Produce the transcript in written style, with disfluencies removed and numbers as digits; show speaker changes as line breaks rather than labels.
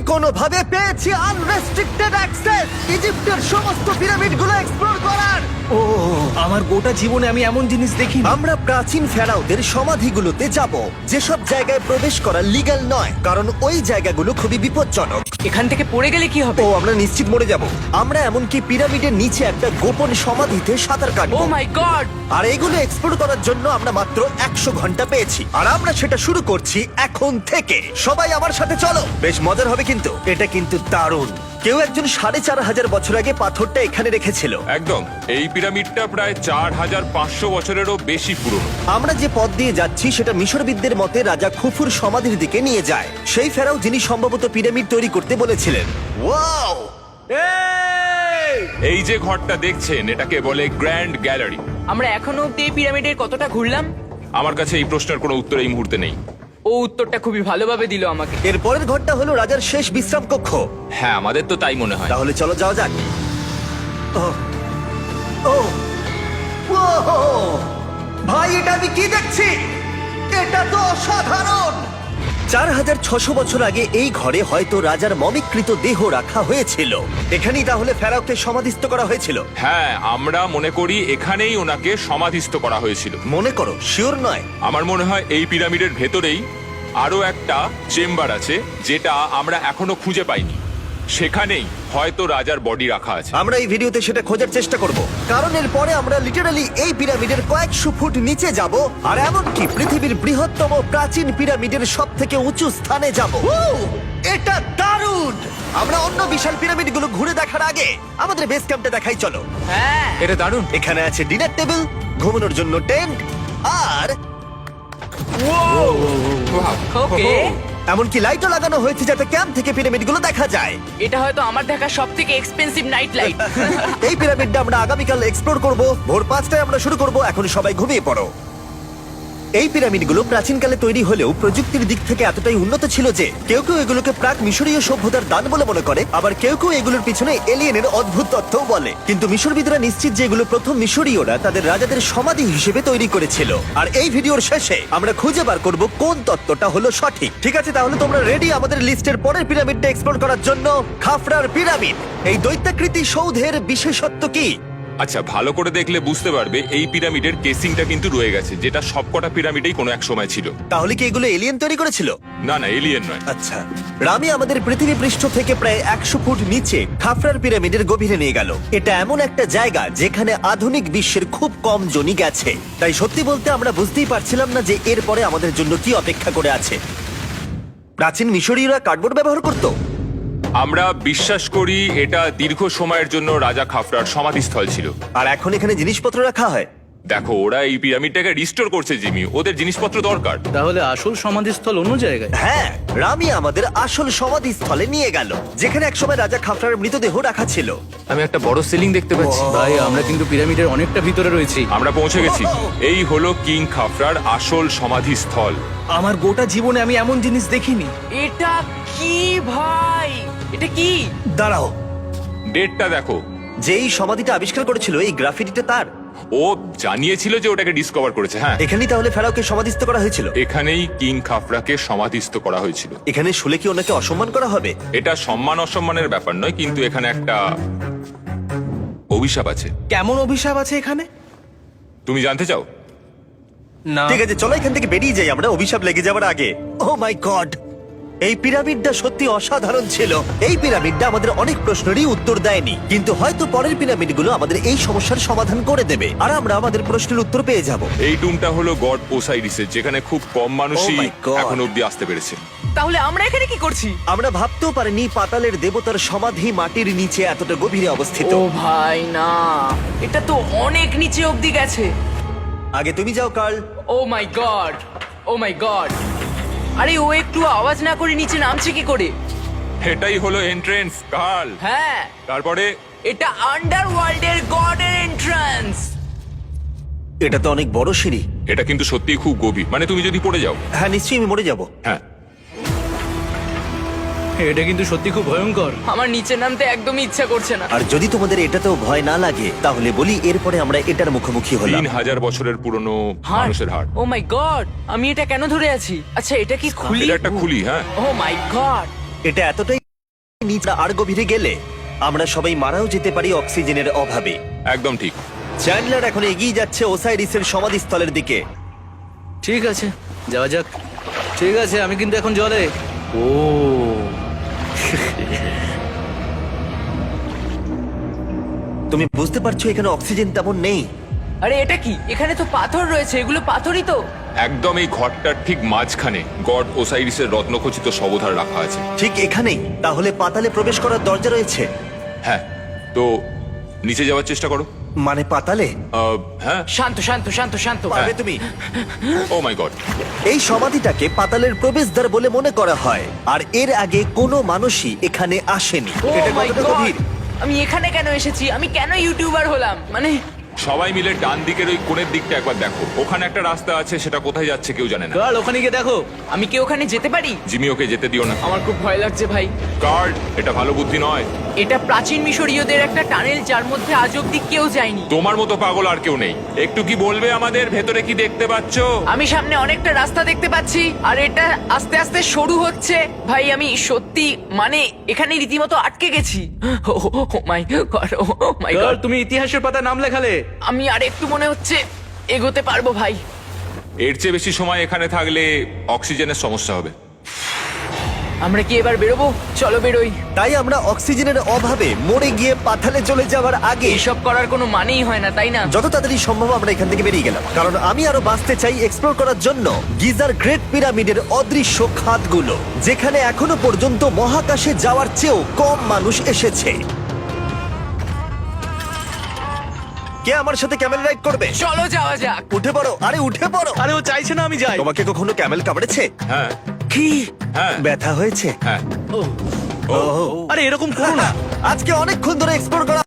কোনোভাবে পেয়েছি unrestricted access ইজিপ্টের সমস্ত পিরামিডগুলো এক্সপ্লোর করার।
ও আমার গোটা জীবনে আমি এমন জিনিস দেখিনি।
আমরা প্রাচীন ফেরাওদের সমাধিগুলোতে যাব, যেসব জায়গায় প্রবেশ করা লিগ্যাল নয়, কারণ ওই জায়গাগুলো খুবই বিপজ্জনক।
এখান থেকে পড়ে গেলে কি হবে?
ও আমরা নিশ্চিত মরে যাব। আমরা এমনকি পিরামিডের নিচে একটা গোপন সমাধিতে সাঁতার
ও
কাটবো।
মাই গড!
আর এগুলো এক্সপ্লোর করার জন্য আমরা মাত্র 100 ঘন্টা পেয়েছি, আর আমরা সেটা শুরু করছি এখন থেকে। সবাই আমার সাথে চলো, বেশ মজার হবে কিন্তু। এটা কিন্তু দারুণ। কেউ একজন 4500 বছর আগে পাথরটা এখানে রেখেছিল।
একদম, এই পিরামিডটা প্রায় 4500 বছরেরও বেশি পুরনো।
আমরা যে পথ দিয়ে যাচ্ছি সেটা মিশরবিদদের মতে রাজা খুফুর সমাধির দিকে নিয়ে যায়, সেই ফেরাও যিনি সম্ভবত পিরামিড তৈরি করতে বলেছিলেন। ওয়াও!
এই যে ঘরটা দেখছেন, এটাকে বলে গ্র্যান্ড গ্যালারি।
আমরা এখনো অব্দি এই পিরামিডের কতটা ঘুরলাম?
আমার কাছে এই প্রশ্নের কোনো উত্তর এই মুহূর্তে নেই।
ও উত্তরটা খুবই ভালোভাবে দিল আমাকে।
এর পরের ঘরটা হলো রাজার শেষ বিশ্রাম কক্ষ।
হ্যাঁ, আমাদের তো তাই মনে হয়।
তাহলে চলো যাওয়া যাক। ওহ, ওহ, ওহো! ভাই, এটা আমি কি দেখছি? এটা তো অসাধারণ। 4600 বছর আগে এই ঘরে হয়তো রাজার মমিকৃত দেহ রাখা হয়েছিল। এখানেই তাহলে ফেরাওকে সমাধিস্থ করা হয়েছিল।
হ্যাঁ, আমরা মনে করি এখানেই ওনাকে সমাধিস্থ করা হয়েছিল।
মনে করো, শিওর নয়।
আমার মনে হয় এই পিরামিডের ভেতরেই আরো একটা চেম্বার আছে, যেটা আমরা এখনো খুঁজে পাইনি। সেখানেই হয়তো রাজার বডি রাখা আছে।
আমরা এই ভিডিওতে সেটা খোঁজার চেষ্টা করব, কারণ এর পরে আমরা লিটারালি এই পিরামিডের কয়েকশো ফুট নিচে যাব, আর এমনকি পৃথিবীর বৃহত্তম প্রাচীন পিরামিডের সব থেকে উঁচু স্থানে যাব। এটা দারুণ! আমরা অন্য বিশাল পিরামিডগুলো ঘুরে দেখার আগে আমাদের বেস ক্যাম্পটা দেখাই চলো।
হ্যাঁ,
এটা দারুণ।
এখানে আছে ডিনার টেবিল, ঘুমানোর জন্য টেন্ট, আর
ওকে।
এমনকি লাইটও লাগানো হয়েছে যাতে ক্যাম্প থেকে পিরামিডগুলো দেখা যায়।
এটা হয়তো আমার দেখা সবথেকে এক্সপেন্সিভ নাইট লাইট।
এই পিরামিডটা আমরা আগামীকাল এক্সপ্লোর করব। ভোর 5টায় আমরা শুরু করব। এখন সবাই ঘুমিয়ে পড়ো। এই পিরামিডগুলো প্রাচীনকালে তৈরি হলেও প্রযুক্তির দিক থেকে এতটাই উন্নত ছিল যে কেউ কেউ এগুলোকে প্রাক মিশরীয় সভ্যতার দান বলে মনে করে, আবার কেউ কেউ এগুলোর পিছনে এলিয়েনের অদ্ভুত তথ্যও বলে। কিন্তু মিশরবিদরা নিশ্চিত যে এগুলো প্রথম মিশরীয়রা তাদের রাজাদের সমাধি হিসেবে তৈরি করেছিল। আর এই ভিডিওর শেষে আমরা খুঁজে বার করব কোন তত্ত্বটা হলো সঠিক। ঠিক আছে, তাহলে তোমরা রেডি আমাদের লিস্টের পরের পিরামিডটা এক্সপ্লোর করার জন্য? খাফরার পিরামিড। এই দৈত্যাকৃতি সৌধের বিশেষত্ব কি?
আচ্ছা, ভালো করে দেখলে বুঝতে পারবে এই পিরামিডের কেসিংটা কিন্তু রয়ে গেছে, যেটা সবকটা পিরামিডেই কোনো এক সময় ছিল।
তাহলে কি এগুলো এলিয়েন তৈরি করেছিল?
না না, এলিয়েন নয়।
আচ্ছা, রামি আমাদের পৃথিবী পৃষ্ঠ থেকে প্রায় 100 ফুট নিচে খাফরার পিরামিডের গভীরে নিয়ে গেল। এটা এমন একটা জায়গা যেখানে আধুনিক বিশ্বের খুব কম জনই গেছে, তাই সত্যি বলতে আমরা বুঝতেই পারছিলাম না যে এরপরে আমাদের জন্য কি অপেক্ষা করে আছে। প্রাচীন মিশরীয়রা কার্ডবোর্ড ব্যবহার করত।
আমরা বিশ্বাস করি এটা দীর্ঘ সময়ের জন্য রাজা খাফরার সমাধিস্থল ছিল।
আর এখন এখানে জিনিসপত্র রাখা হয়।
দেখো, ওরা এই পিরামিডটাকে রিস্টোর করছে জিমি, ওদের জিনিসপত্র দরকার।
তাহলে আসল সমাধিস্থল অন্য জায়গায়?
হ্যাঁ, রামি আমাদের আসল সমাধিস্থলে নিয়ে গেল, যেখানে একসময় রাজা খাফরার মৃতদেহ রাখা ছিল।
আমি একটা বড় সিলিং দেখতে পাচ্ছি।
ভাই, আমরা কিন্তু পিরামিডের অনেকটা ভিতরে রয়েছি।
আমরা পৌঁছে গেছি। এই হলো কিং খাফরার আসল সমাধিস্থল।
আমার গোটা জীবনে আমি এমন জিনিস দেখিনি।
এটা কি ভাই? এটা কি?
দাঁড়াও,
ডেটটা দেখো।
যেই সমাধিটা আবিষ্কার করেছিল এই গ্রাফিটিটা তার।
ও জানিয়েছিল যে ওটাকে ডিসকভার করেছে। হ্যাঁ,
এখানেই তাহলে ফেরাওকে সমাধিস্থ করা হয়েছিল।
এখানেই কিং খাফরাকে সমাধিস্থ করা হয়েছিল।
এখানে শুলে কি ওনাকে অসম্মান করা হবে?
এটা সম্মান অসম্মানের ব্যাপার নয়, কিন্তু এখানে একটা অভিশাপ আছে।
কেমন অভিশাপ আছে এখানে?
তুমি জানতে চাও?
না।
ঠিক আছে, চলো এখান থেকে বেরিয়ে যাই আমরা অভিশাপ লেগে যাওয়ার আগে। ও মাই গড, এই পিরামিডটা সত্যি অসাধারণ ছিল। এই পিরামিডটা আমাদের অনেক প্রশ্নেরই উত্তর দেয়নি, কিন্তু হয়তো পরের পিরামিডগুলো আমাদের এই সমস্যার সমাধান করে দেবে, আর আমরা আমাদের প্রশ্নের উত্তর পেয়ে যাব।
এই টুমটা হলো গড ওসাইরিসের, যেখানে খুব কম মানুষই
Oh my God!
এখন অব্দি আসতে পেরেছে।
তাহলে আমরা এখানে কি করছি?
আমরা ভাবতেও পারিনি পাতালের দেবতার সমাধি মাটির নিচে এতটা গভীরে অবস্থিত।
ও ভাই না, এটা তো অনেক নিচে অব্দি গেছে।
আগে তুমি যাও Karl.
Oh my god, oh my god! আরে ও একটু আওয়াজ না করে নিচে নামছে কি করে?
এটাই হলো এন্ট্রেন্স, কাল।
হ্যাঁ,
তারপরে
এটা আন্ডারওয়ার্ল্ডের গডের এন্ট্রান্স।
এটা তো অনেক বড় সিঁড়ি।
এটা কিন্তু সত্যিই খুব গভীর, মানে তুমি যদি পড়ে যাও।
হ্যাঁ, নিশ্চয়ই আমি মরে যাব।
হ্যাঁ,
এটা কিন্তু সত্যি খুব ভয়ঙ্কর।
আমার নিচে নামতে একদমই ইচ্ছা করছে না।
আর যদি তোমাদের এটাতেও ভয় না লাগে তাহলে বলি এরপরে আমরা এটার মুখোমুখি হলাম।
3000 বছরের পুরনো মানুষের হাড়।
ও মাই গড, আমি এটা কেন ধরে আছি? আচ্ছা, এটা কি খুলি?
এটা একটা খুলি। হ্যাঁ,
ও মাই গড!
এটা এতটাই নিচে আর গভীরে গেলে আমরা সবাই মারাও যেতে পারি অক্সিজেনের অভাবে।
একদম ঠিক।
চ্যান্ডলার এখন এগিয়ে যাচ্ছে ওসাইরিসের সমাধিস্থলের দিকে।
ঠিক আছে, যাওয়া যাক। ঠিক আছে, আমি কিন্তু এখন জলে। ও
তুমি বুঝতে পারছো এখানে অক্সিজেন তেমন নেই।
আরে এটা কি? এখানে তো পাথর রয়েছে, এগুলো পাথরই তো।
একদম এই ঘরটার ঠিক মাঝখানে গড ওসাইরিসের রত্নখচিত শবধার রাখা আছে।
ঠিক এখানেই তাহলে পাতালে প্রবেশ করার দরজা রয়েছে?
হ্যাঁ, তো নিচে যাওয়ার চেষ্টা করো।
মানে পাতালে?
হ্যাঁ।
শান্ত শান্ত শান্ত শান্ত।
পারবে তুমি?
Oh my god.
এই সমাধিটাকে পাতালের প্রবেশদ্বার বলে মনে করা হয়, আর এর আগে কোনো মানুষই এখানে আসেনি।
Oh
এটা
my
কতটা
God!
গভীর?
আমি এখানে কেন এসেছি? আমি কেন ইউটিউবার হলাম? মানে
সবাই মিলে ডান দিকের ওই কোণের দিকটা একবার দেখো। ওখানে একটা রাস্তা আছে, সেটা কোথায় যাচ্ছে কেউ জানে না।
কাল ওখানে গিয়ে দেখো।
আমি কি ওখানে যেতে পারি?
জিমি, ওকে যেতে দিও না।
আমার খুব ভয় লাগছে ভাই।
কার্ড, এটা ভালো বুদ্ধি নয়।
এটা প্রাচীন মিশরীয়দের একটা টানেল যার মধ্যে আজ অব্দি কেউ যায়নি।
তোমার মতো পাগল আর কেউ নেই। একটু কি বলবে আমাদের ভেতরে কি দেখতে পাচ্ছো?
আমি সামনে অনেকটা রাস্তা দেখতে পাচ্ছি, আর এটা আস্তে আস্তে সরু হচ্ছে। ভাই আমি সত্যি মানে এখানে রীতিমতো আটকে গেছি। ও মাই গড, ও মাই
কাল
গড।
তুমি ইতিহাসের পাতা নাম লেখালে।
আমি আর একটু মনে হচ্ছে এগোতে পারবো ভাই।
এর চেয়ে বেশি সময় এখানে থাকলে অক্সিজেনের সমস্যা হবে।
আমরা কি এবার বেরোবো? চলো বেরোই।
তাই আমরা অক্সিজেনের অভাবে মরে গিয়ে পাতালে চলে যাওয়ার আগে
এইসব করার কোনো মানেই হয় না, তাই না?
যত তাড়াতাড়ি সম্ভব আমরা এখান থেকে বেরিয়ে গেলাম, কারণ আমি আরো বাঁচতে চাই এক্সপ্লোর করার জন্য গিজার গ্রেট পিরামিডের অদৃশ্য খাতগুলো, যেখানে এখনো পর্যন্ত মহাকাশে যাওয়ার চেয়েও কম মানুষ এসেছে। কে আমার সাথে ক্যামেল রাইড করবে?
চলো যাওয়া যাক।
উঠে পড়ো, আরে উঠে পড়ো।
আরে ও চাইছে না আমি যাই।
তোমাকে কখনো ক্যামেল কামড়েছে?
হ্যাঁ
কি
হ্যাঁ
ব্যথা হয়েছে?
হ্যাঁ।
আরে এরকম করো না।
আজকে অনেকক্ষণ ধরে এক্সপ্লোর করা